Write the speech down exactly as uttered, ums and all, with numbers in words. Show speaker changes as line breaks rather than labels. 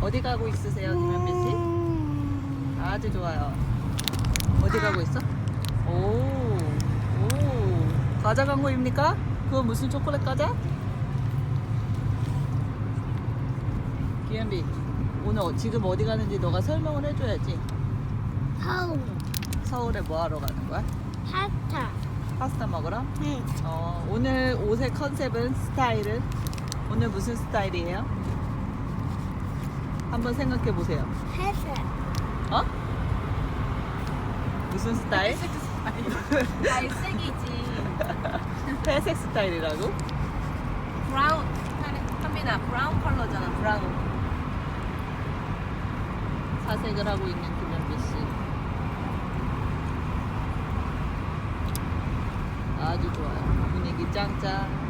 어디 가고 있으세요, 김현빈 씨? 아주 좋아요. 어디 가고 있어? 오, 오, 과자 광고입니까? 그건 무슨 초콜릿 과자? 김현빈, 오늘 어- 지금 어디 가는지 너가 설명을 해줘야지.
서울
서울에 뭐 하러 가는 거야?
파스타.
파스타 먹으러?
응.
어, 오늘 옷의 컨셉은 스타일은? 오늘 무슨 스타일이에요? 한번 생각해 보세요.
회색.
어? 무슨 스타일?
갈색이지.
회색 스타일이라고?
브라운. 한민아, 브라운 컬러잖아. 브라운.
사색을 하고 있는 김현비 씨. 아주 좋아요. 분위기 짱짱.